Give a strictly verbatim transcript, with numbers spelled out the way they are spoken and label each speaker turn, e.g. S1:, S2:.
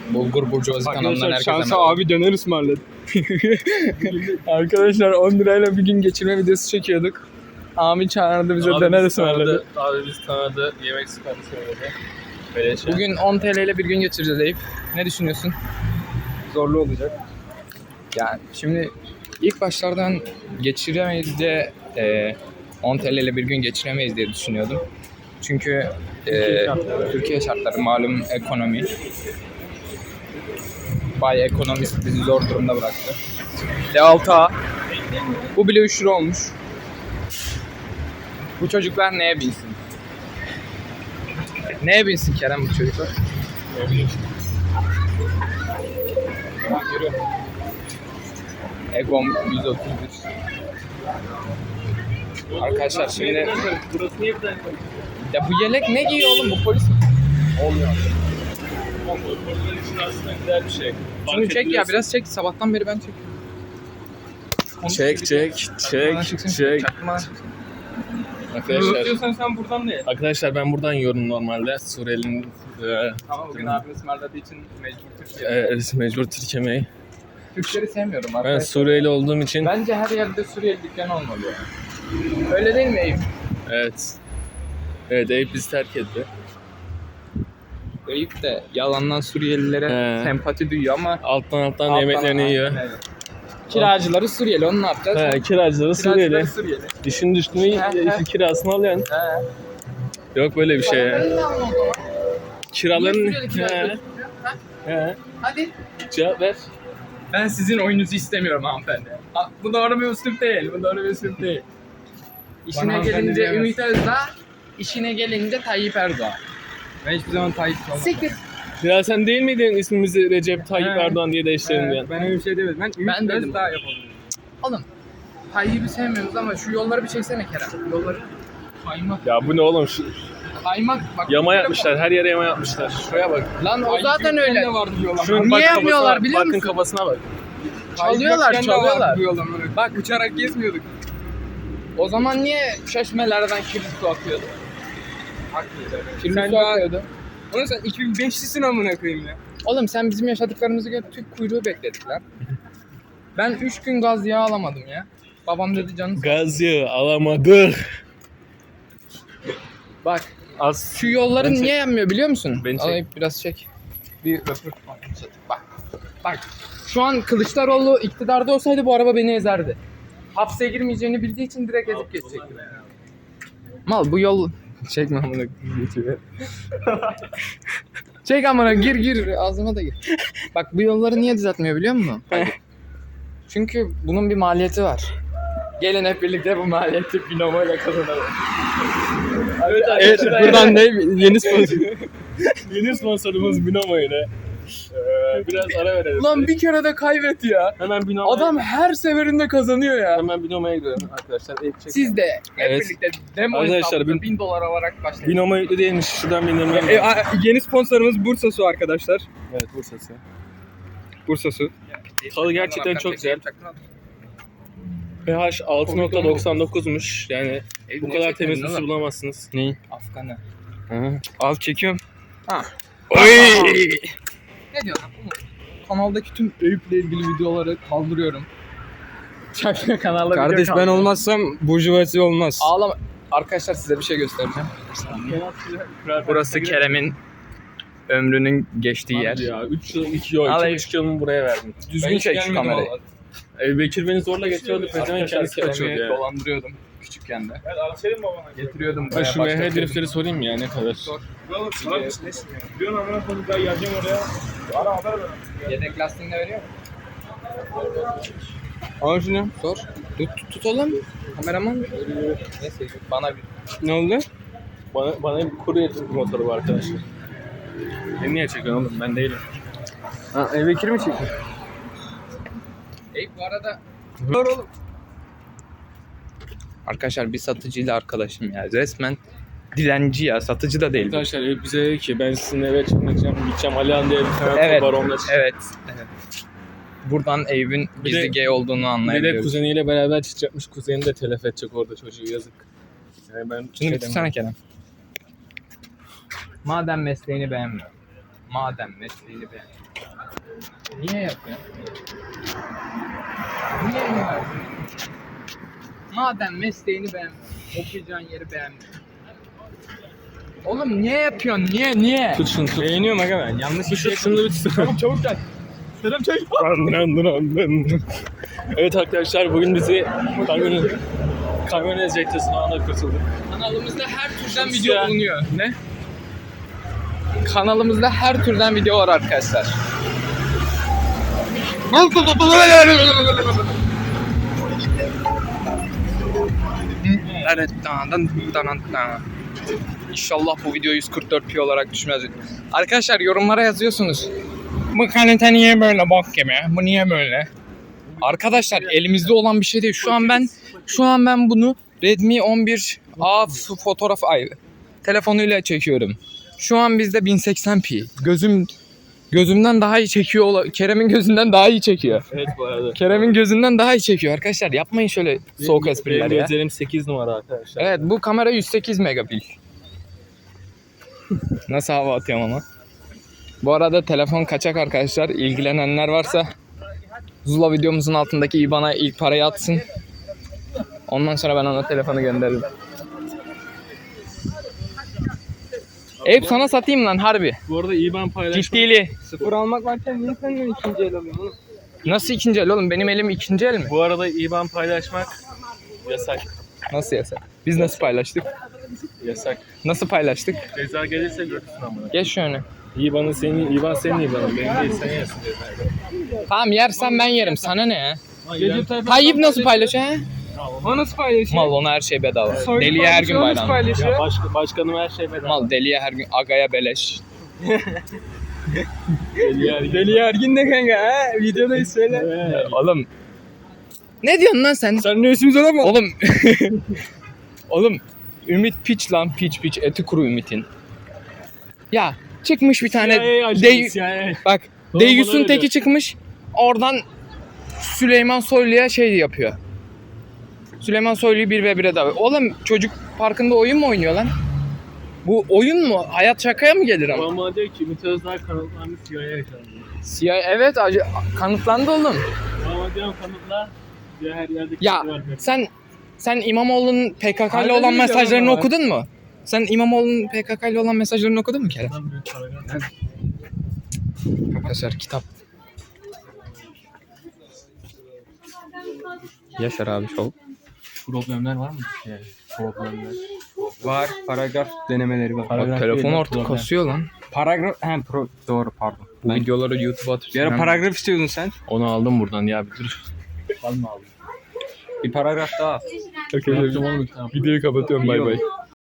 S1: Bulgur Burcuvazi kanalından
S2: Arkadaşlar
S1: herkese
S2: şansa
S1: merhaba.
S2: abi döner ısmarladı. Arkadaşlar on lirayla bir gün geçirme videosu çekiyorduk. Abi çağırdı bize
S3: Abi
S2: döner
S3: biz
S2: ısmarladı.
S3: tanıdı, Abi biz tanıdı yemek sıkıntı söyledi. Böyle şey.
S1: Bugün on T L ile bir gün geçireceğiz Eyüp. Ne düşünüyorsun?
S2: Zorlu olacak.
S1: Yani şimdi ilk başlardan geçiremeyiz diye e, on T L ile bir gün geçiremeyiz diye düşünüyordum. Çünkü e, Türkiye şartları malum ekonomi. Bay ekonomist bizi zor durumda bıraktı. D altı A. Bu bile üç lira olmuş. Bu çocuklar neye binsin? Neye binsin Kerem bu çocuklar? Egom yüz otuz bir. Arkadaşlar şimdi
S3: Burası niye bir tane?
S1: ya bu yelek ne giyiyor oğlum, bu polis mi?
S3: Olmuyor. Bunun için aslında güzel bir şey.
S1: Şunu çek ya, biraz çek, sabahtan beri ben çekiyorum.
S3: Çek çek çek çek. Arkadaşlar,
S2: Diyorsan sen buradan da ye.
S3: arkadaşlar ben buradan yiyorum normalde. Suriyeli'nin e,
S1: Ama bugün abim ısmarladığı için mecbur Türkiye.
S3: e, mecbur Türk yemeği.
S1: Türkleri sevmiyorum
S3: Ben
S1: arkadaşlar.
S3: Suriyeli olduğum için
S1: Bence her yerde Suriyeli dükkanı olmalı ya. Öyle değil mi Eyüp?
S3: evet. Evet, Eyüp bizi terk etti.
S1: Eyüp de yalandan Suriyelilere
S3: He.
S1: sempati duyuyor ama
S3: Alttan alttan
S1: alttan-
S3: yemeklerini yiyor.
S1: Aynen öyle. Kiracıları Suriyeli, onu ne yapacağız?
S3: He, kiracıları
S1: Kiracıları
S3: Suriyeli.
S1: Suriyeli.
S3: İşin düştüğünü
S1: He, he.
S3: kirasını alıyorsun.
S1: He.
S3: Yok böyle bir şey ya.
S1: Bana da alma o zaman.
S3: Kiraların...
S1: Niye Suriyeli kiracı
S3: He,
S1: götürüyor? Ha?
S3: he.
S1: Hadi.
S3: Cevap ver.
S1: Ben sizin oyununuzu istemiyorum hanımefendi. Ha, bu doğru bir üslup değil, bu doğru bir üslup değil. İşine
S2: hanımefendi
S1: gelince
S2: diyemez.
S1: Ümit Özdağ, işine gelince Tayyip Erdoğan.
S2: Ben hiçbir zaman Tayyip olmam.
S1: Siktir.
S3: Ya sen değil miydin ismimizi Recep Tayyip
S2: He.
S3: Erdoğan diye değiştirelim
S2: Ee,
S3: diyen?
S2: ben öyle bir şey demedim. Ben,
S1: Ben
S2: Ümit
S1: dedim.
S2: Özdağ yapalım.
S1: Oğlum, Tayyip'i sevmiyoruz ama şu yolları bir çeksene Kerem. Yolları kaymak.
S3: Ya bu ne oğlum? Şu,
S1: Kaymak bak.
S3: yama yapmışlar. Her yere yama yapmışlar. Şuraya bak.
S1: Lan o zaten öyle.
S2: vardı diyorlar.
S3: Şunun
S1: Niye
S3: bak
S1: yapmıyorlar
S3: kafasına,
S1: biliyor
S3: bakın
S1: musun?
S3: kafasına bak.
S1: Çalıyorlar, çalıyorlar.
S2: Diyorlar böyle. Bak uçarak gezmiyorduk.
S1: O zaman niye çeşmelerden kirli su akıyordu? Kirli
S2: Sen
S1: su
S2: daha-
S1: akıyordu.
S2: Oğlum sen iki bin beşlisin amına koyayım ya.
S1: Oğlum sen bizim yaşadıklarımızı gör, tüp kuyruğu bekledik lan. Ben üç gün gaz yağı alamadım ya. Babam dedi canım.
S3: Gaz yağı alamadık.
S1: Bak
S3: Az.
S1: şu yolların
S3: Ben çek-
S1: niye yanmıyor biliyor musun?
S3: Beni çek.
S1: Alayım biraz çek. Bir röportaj. Bak. Bak. Şu an Kılıçdaroğlu iktidarda olsaydı bu araba beni ezerdi. Hapse girmeyeceğini bildiği için direkt ezip geçecekti. Mal bu yol... Çekme amına geçiyor. Çek amına, gir gir ağzıma da gir. Bak bu yolları niye düzeltmiyor biliyor musun? Çünkü bunun bir maliyeti var. Gelin hep birlikte bu maliyeti binomo ile kazanalım.
S3: Evet,
S1: Evet, buradan ne yeni sponsor.
S3: Yeni sponsorumuz Binomo ile. Ee, biraz ara verelim.
S1: Ulan bir kere de kaybetti ya.
S3: Hemen Binomo'ya
S1: Adam her seferinde kazanıyor ya.
S3: hemen Binomo'ya gidelim arkadaşlar. Eyüp çek.
S1: Siz de hep
S3: Evet.
S1: birlikte demo
S3: Arkadaşlar,
S1: hesabında
S3: bin-
S1: bin dolar alarak başlayın.
S3: Binomo yüklü değilmiş. Şuradan bindirmem
S2: E,
S3: lazım.
S2: a- yeni sponsorumuz Bursa Su arkadaşlar.
S3: Evet, Bursa'sı.
S2: Bursa Su.
S3: Tadı gerçekten çok güzel. pH altı nokta doksan dokuzmuş. Yani bu kadar temiz bir su bulamazsınız.
S2: Neyi?
S1: Afganı.
S2: Al çekiyorum.
S1: Ha.
S2: Oy!
S1: Ne diyorsun? Oğlum, kanaldaki tüm Eyüp'le ilgili videoları kaldırıyorum. Çakma kanalda video
S2: Kardeş ben
S1: kaldırıyorum.
S2: olmazsam burjuvasi olmaz.
S1: Ağlama. Arkadaşlar size bir şey göstereceğim. Burası Kerem'in ömrünün geçtiği yer.
S3: Hadi ya üç yıl, iki yıl,
S1: Al
S3: iki
S1: Eyüp.
S3: buçuk yılımı buraya verdim.
S1: Düzgün çek şu kamerayı.
S3: Ebu Bekir beni zorla getiriyordu. Pezevenk kendisi kaçıyordu
S1: Kerem'i
S3: ya.
S1: dolandırıyordum küçükken de. Getiriyordum
S3: Ha
S1: buraya.
S3: şu
S1: başka
S3: M H
S1: türlü.
S3: driftleri sorayım mı ya ne kadar?
S1: Sor.
S4: Diyorsun amına koyayım ben geleceğim oraya. Ara haber ver.
S1: Yedek lastiğini de veriyor mu?
S2: Al şunu.
S1: Sor. Tut, tut, tut oğlum. Kameraman. Neyse bana bir...
S2: Ne oldu?
S3: Bana, bana bir kurye motoru var arkadaşlar. Beni niye çekiyorsun oğlum? Ben değilim.
S2: Ha, Ebu Bekir mi çekiyor?
S1: Ey bu arada... Dur oğlum. Arkadaşlar bir satıcıyla arkadaşım ya. Resmen dilenci ya. Satıcı da değil. bu.
S3: Arkadaşlar Eyüp bize dedi ki ben sizinle eve çıkmayacağım. Gideceğim Alihan diye bir tane
S1: Evet.
S3: var onunla çıkacağım.
S1: Evet. evet. Buradan Eyüp'ün
S3: Bir
S1: gizli
S3: de-
S1: gay olduğunu
S3: Bir de
S1: anlayabiliyoruz.
S3: kuzeniyle beraber çıkacakmış. Kuzeni de telef edecek orada çocuğu yazık. Yani ben
S1: Şunu
S3: şey
S1: bir tutsana Kerem. Madem mesleğini beğenmiyor. Madem mesleğini beğen. Niye yapıyorsun? Niye yapıyorsun? Madem mesleğini beğenmiyorsun, okuyacağın yeri beğenmiyorsun. Oğlum niye yapıyorsun? Niye? Niye?
S3: Tut şunu tut.
S1: Beğeniyorum aga ben. Yanlış bir şey
S3: Şunu da bir tut.
S1: Çabuk çabuk gel. Selam çay.
S3: Evet arkadaşlar bugün bizi kamyon kamyon ezecekti sınavına kurtulduk.
S1: Kanalımızda her türden
S3: Şimdi
S1: video
S3: ya.
S1: bulunuyor. Ne? Kanalımızda her türden video var arkadaşlar. İnşallah bu video yüz kırk dört p olarak düşmez. Arkadaşlar yorumlara yazıyorsunuz. Bu kalite niye böyle bok gibi? Bu niye böyle? Arkadaşlar elimizde olan bir şey değil. Şu an ben şu an ben bunu Redmi on bir A fotoğraf ay telefonuyla çekiyorum. Şu an bizde bin seksen p. Gözüm gözümden daha iyi çekiyor. ola- Kerem'in gözünden daha iyi çekiyor.
S3: Evet bu arada.
S1: Kerem'in gözünden daha iyi çekiyor arkadaşlar. Yapmayın şöyle soğuk espriler
S3: Benim
S1: ya.
S3: gözlerim sekiz numara arkadaşlar.
S1: Evet bu kamera yüz sekiz megapil. Nasıl hava atıyorum ama. Bu arada telefon kaçak arkadaşlar. İlgilenenler varsa Zula videomuzun altındaki I B A N''a ilk parayı atsın. Ondan sonra ben ona telefonu gönderirim. Eyüp sana satayım lan harbi.
S3: Bu arada iyi ben paylaşmak.
S1: Ciddili.
S2: Sıfır almak varken niye senden ikinci el alıyorsun oğlum?
S1: Nasıl ikinci el oğlum? Benim elim ikinci el mi?
S3: Bu arada iyi ben paylaşmak yasak.
S1: Nasıl yasak? Biz nasıl paylaştık?
S3: Yasak.
S1: Nasıl paylaştık?
S3: Ceza gelirse görürsün amına.
S1: Geç şöyle.
S3: İyi bana senin, iyi ben senin iyi bana. Benim değil sen yersin cezayı.
S1: Tamam yersen ben yerim. Sana ne ya?
S3: Gece
S1: Tayyip nasıl paylaşıyor ha?
S2: O nasıl paylaşıyor?
S1: Mal ona her şey bedava.
S2: Soylu
S1: Deliye her gün
S2: paylaşıyor, o nasıl
S1: bayram.
S2: paylaşıyor?
S3: Ya başka, başkanım her şey bedava.
S1: Mal deliye her gün agaya beleş.
S3: Deli yer.
S2: Deli Ergin de kanka ha? Videodayız söyle.
S3: Evet.
S1: Oğlum. Ne diyorsun lan sen?
S2: Sen ne üstümüz olamaz?
S1: Oğlum. Oğlum. Ümit piç lan piç piç eti kuru Ümit'in. Ya çıkmış bir tane
S3: C I A ajanı,
S1: dey
S3: C I A.
S1: bak
S3: Doğru,
S1: Deyyus'un
S3: bana
S1: teki
S3: öyle.
S1: çıkmış. Oradan Süleyman Soylu'ya şey yapıyor. Süleyman Soylu'yu bir ve bire davet. Oğlum çocuk parkında oyun mu oynuyor lan? Bu oyun mu? Hayat şakaya mı gelir ama?
S3: Bana diyor ki Ümit Özdağ kanıtlandı C I A ajanı.
S1: C I A evet acı, kanıtlandı oğlum.
S3: Bana diyorum kanıtla. Diyor her yerdeki
S1: Ya
S3: var.
S1: sen sen İmamoğlu'nun P K K'lı olan
S2: Aynen öyle
S1: mesajlarını
S2: ama.
S1: okudun mu? Sen İmamoğlu'nun P K K'lı olan mesajlarını okudun mu Kerem?
S3: Lan büyük paragraf.
S1: Arkadaşlar kitap. Yaşar abi şov.
S3: Problemler var mı? Yani, problemler.
S2: Var. Paragraf denemeleri var.
S3: Paragraf
S1: Telefon
S3: değil,
S1: artık
S3: problem.
S1: kasıyor lan.
S2: Paragraf... He pro... Doğru pardon.
S1: Bu
S2: Ben...
S1: videoları YouTube'a atırsın.
S2: Bir ara
S1: Ben-
S2: paragraf istiyordun sen.
S3: Onu aldım buradan ya bir dur. Alma aldım.
S2: Bir paragraf daha al.
S1: Okey,
S3: Yaptım oğlum bir tane.
S1: videoyu kapatıyorum bay bay.